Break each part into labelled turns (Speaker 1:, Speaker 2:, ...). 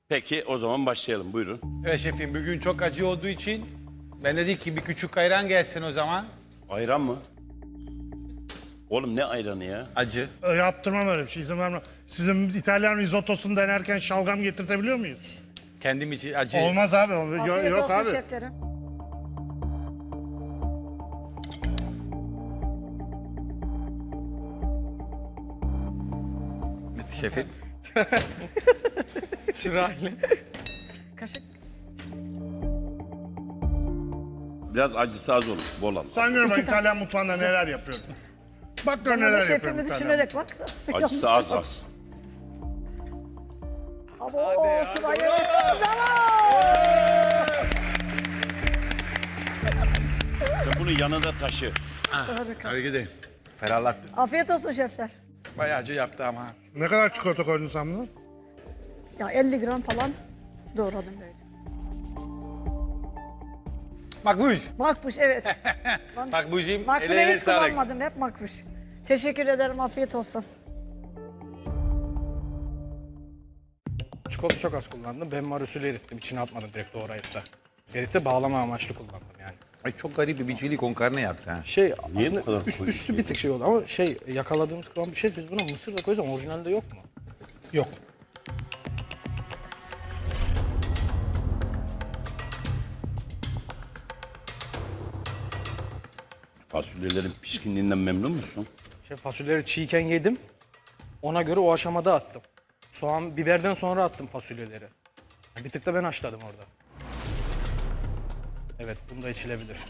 Speaker 1: Peki o zaman başlayalım. Buyurun.
Speaker 2: Evet şefim, bugün çok acı olduğu için ben dedik ki bir küçük ayran gelsin o zaman.
Speaker 1: Ayran mı? Oğlum ne ayranı ya?
Speaker 2: Acı.
Speaker 3: Yaptırmam öyle bir şey, izin vermem. Sizin İtalyan rizottosunu denerken şalgam getirtebiliyor muyuz?
Speaker 2: Kendim için acı.
Speaker 3: Olmaz abi.
Speaker 4: Afiyet
Speaker 3: Yok
Speaker 4: olsun
Speaker 3: abi.
Speaker 4: şeflerim.
Speaker 2: Şefim. Sırayla.
Speaker 4: Kaşık.
Speaker 1: Biraz acısı az olur. Bol al.
Speaker 3: Sen gör ben İtalyan mutfağında neler yapıyorum. Bak gör neler yapıyorum
Speaker 4: Şefimi
Speaker 3: İtalyan.
Speaker 4: düşünerek baksana.
Speaker 1: Acısı az az.
Speaker 4: Oo, sırayı. Bravo.
Speaker 1: Sen bunu yanında taşı.
Speaker 2: Hadi gidelim. Ferahlattın.
Speaker 4: Afiyet olsun şefler.
Speaker 2: Bayağı acı yaptı ama.
Speaker 3: Ne kadar çikolata koydun sen buna?
Speaker 4: Ya 50 gram falan doğradım böyle.
Speaker 2: Makbuş.
Speaker 4: Makbuş evet.
Speaker 2: Makbuş'um
Speaker 4: Makbuleyi
Speaker 2: ellerine
Speaker 4: hiç
Speaker 2: sağlık.
Speaker 4: kullanmadım, hep makbuş. Teşekkür ederim, afiyet olsun.
Speaker 5: Çikolata çok az kullandım. Ben marusülü erittim. İçine atmadım direkt doğrayıp da. Erip de bağlama amaçlı kullandım yani.
Speaker 6: Ay çok garip bir chili con carne yaptı ha.
Speaker 5: Şey
Speaker 1: bu
Speaker 5: aslında
Speaker 1: kadar koyu
Speaker 5: üstü bir tık şey oldu ama şey yakaladığımız kıvam bir şey. Biz buna mısır da koyacağız ama orijinalde yok mu?
Speaker 3: Yok.
Speaker 1: Fasulyelerin pişkinliğinden memnun musun?
Speaker 5: Şey fasulyeleri çiğken yedim. Ona göre o aşamada attım. Soğan, biberden sonra attım fasulyeleri. Bir tık da ben haşladım orada. Evet, bunu da içilebilir.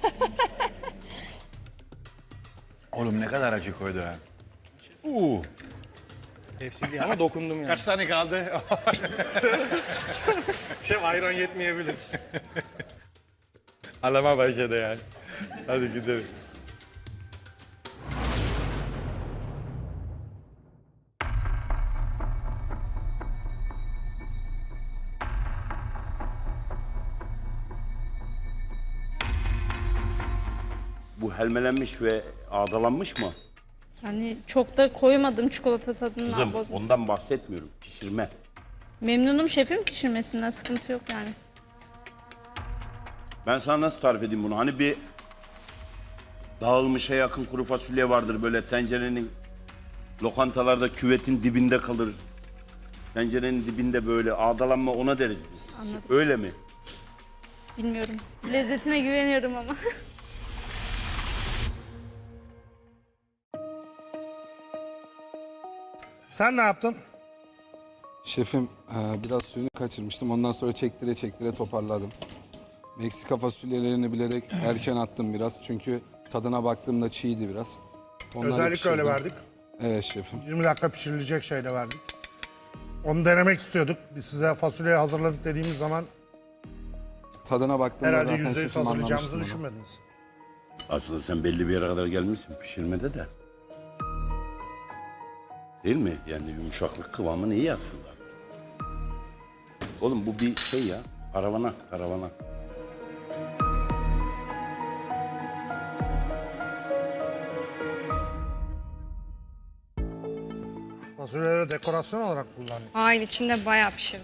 Speaker 6: Oğlum ne kadar acı koydu ha.
Speaker 5: Hepsi değil ama dokundum yani.
Speaker 2: Kaç tane kaldı?
Speaker 5: Şef ayran yetmeyebilir.
Speaker 2: Alama başladı yani. Hadi gidelim.
Speaker 1: Bu helmelenmiş ve ağdalanmış mı?
Speaker 7: Yani çok da koymadım çikolata tadını
Speaker 1: Kızım
Speaker 7: bozmasın.
Speaker 1: ondan bahsetmiyorum. Pişirme.
Speaker 7: Memnunum şefim pişirmesinden, sıkıntı yok yani.
Speaker 1: Ben sana nasıl tarif edeyim bunu? Hani bir dağılmışa yakın kuru fasulye vardır böyle tencerenin lokantalarda küvetin dibinde kalır. Tencerenin dibinde böyle ağdalanma ona deriz biz.
Speaker 7: Anladım.
Speaker 1: Öyle mi?
Speaker 7: Bilmiyorum. Lezzetine güveniyorum ama.
Speaker 3: Sen ne yaptın?
Speaker 8: Şefim biraz suyunu kaçırmıştım. Ondan sonra çektire çektire toparladım. Meksika fasulyelerini bilerek erken attım biraz. Çünkü tadına baktığımda çiğdi biraz. Onları
Speaker 3: Özellikle öyle
Speaker 8: pişirdim.
Speaker 3: verdik.
Speaker 8: Evet şefim.
Speaker 3: 20 dakika pişirilecek şeyle verdik. Onu denemek istiyorduk. Biz size fasulyeyi hazırladık dediğimiz zaman
Speaker 8: Tadına baktığımda
Speaker 3: herhalde
Speaker 8: zaten
Speaker 3: %100
Speaker 8: şefim
Speaker 3: hazırlayacağımızı
Speaker 8: anlamıştım onu.
Speaker 3: düşünmediniz.
Speaker 1: Aslında sen belli bir yere kadar gelmişsin pişirmede de. Değil mi? Yani yumuşaklık kıvamın iyi aslında. Oğlum bu bir şey ya. Karavana.
Speaker 3: Fasulyeleri dekorasyon olarak kullandık.
Speaker 9: Hayır, içinde bayağı pişirdim.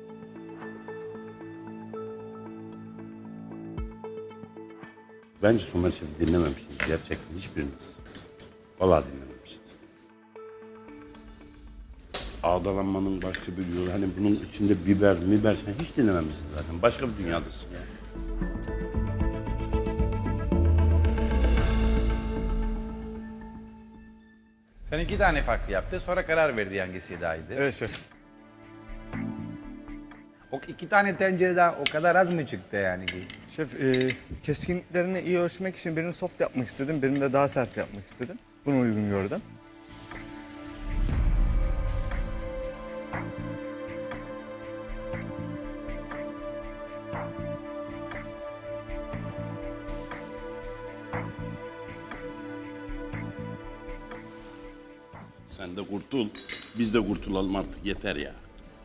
Speaker 1: Bence Somer Şef'i dinlememişsiniz gerçekten hiçbiriniz. Vallahi dinlememişsiniz. Ağdalanmanın başka bir yolu. Hani bunun içinde biber sen hiç dinlememişsin zaten. Başka bir dünyadasın ya.
Speaker 6: Sen 2 tane farklı yaptı sonra karar verdi hangisi daha iyiydi.
Speaker 2: Evet şef.
Speaker 6: O 2 tane tencereden o kadar az mı çıktı yani ki?
Speaker 10: Şef, keskinliklerini iyi ölçmek için birini soft yapmak istedim, birini de daha sert yapmak istedim. Bunu uygun gördüm.
Speaker 1: Sen de kurtul. Biz de kurtulalım artık yeter ya.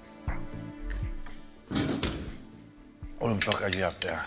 Speaker 6: Oğlum çok acı yaptı ya.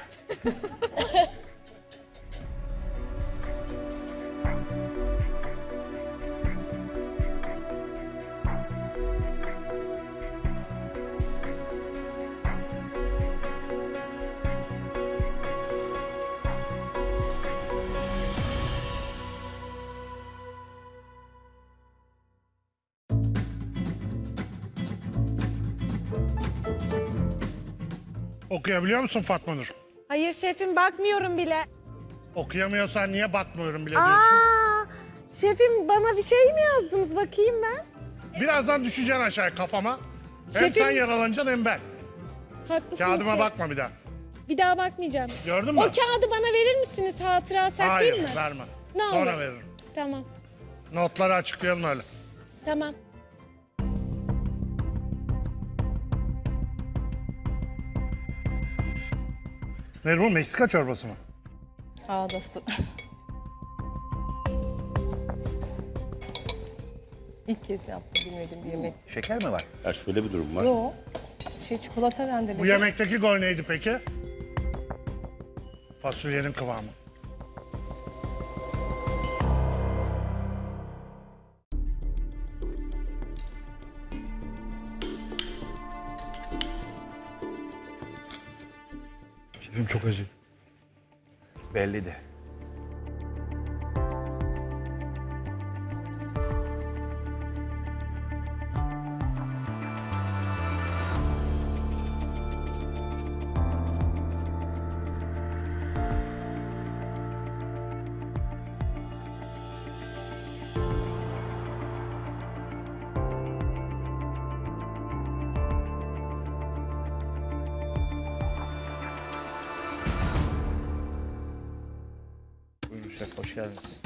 Speaker 3: Okuyabiliyor musun Fatma Nur?
Speaker 9: Hayır şefim bakmıyorum bile.
Speaker 3: Okuyamıyorsan niye bakmıyorum bile diyorsun?
Speaker 9: Aa, şefim bana bir şey mi yazdınız bakayım ben?
Speaker 3: Birazdan düşeceksin aşağı kafama. Hem
Speaker 9: Şefim-
Speaker 3: sen yaralanacaksın hem ben.
Speaker 9: Haklısınız
Speaker 3: Kağıdıma
Speaker 9: şef.
Speaker 3: bakma bir daha.
Speaker 9: Bir daha bakmayacağım.
Speaker 3: Gördün mü?
Speaker 9: O kağıdı bana verir misiniz? Hatıra saklayayım
Speaker 3: Hayır
Speaker 9: mı?
Speaker 3: verme.
Speaker 9: Ne
Speaker 3: Sonra
Speaker 9: olur.
Speaker 3: veririm.
Speaker 9: Tamam.
Speaker 3: Notları açıklayalım öyle.
Speaker 9: Tamam.
Speaker 3: Ne bu? Meksika çorbası mı?
Speaker 11: Ağdası. İlk kez yaptım bilmediğim bir yemek.
Speaker 6: Şeker mi var?
Speaker 1: Ya şöyle bir durum var.
Speaker 11: Yo. Çikolata rendeledim.
Speaker 3: Bu yemekteki gol neydi peki? Fasulyenin kıvamı.
Speaker 5: Şefim çok acı.
Speaker 6: Belli de.
Speaker 10: Buyurun şef, hoş geldiniz.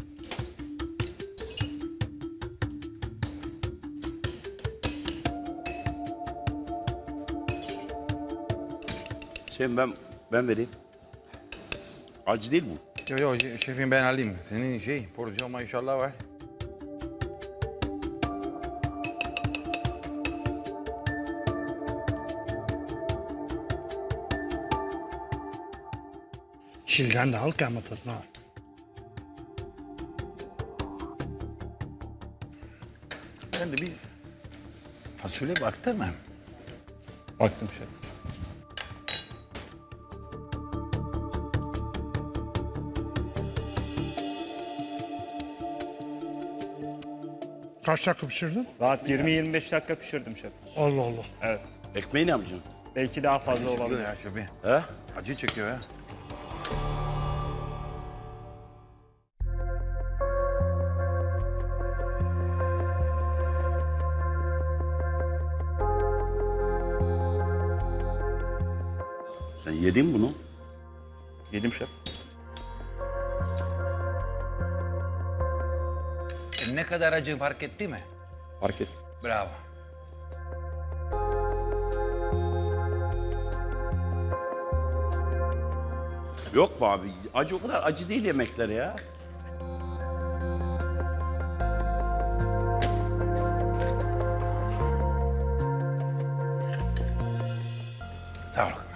Speaker 1: Ben vereyim. Acı değil bu.
Speaker 6: Yo şefim ben alayım. Senin porsiyon maşallah var.
Speaker 3: Çilden de al ki ama tadına al.
Speaker 6: Ben de bir fasulye baktı mı?
Speaker 10: Baktım şef.
Speaker 3: Kaç dakika pişirdin?
Speaker 12: Rahat 20-25 dakika pişirdim şef.
Speaker 3: Allah Allah.
Speaker 1: Ekmeği ne yapacaksın?
Speaker 12: Belki daha fazla olabilir.
Speaker 6: Ya şefim.
Speaker 1: He?
Speaker 6: Acı çekiyor ya.
Speaker 1: Sen yedin bunu.
Speaker 10: Yedim şef.
Speaker 6: Ne kadar acı fark etti mi?
Speaker 10: Fark et.
Speaker 6: Bravo.
Speaker 1: Yok mu abi? Acı o kadar acı değil yemekler ya.
Speaker 6: Sağ ol.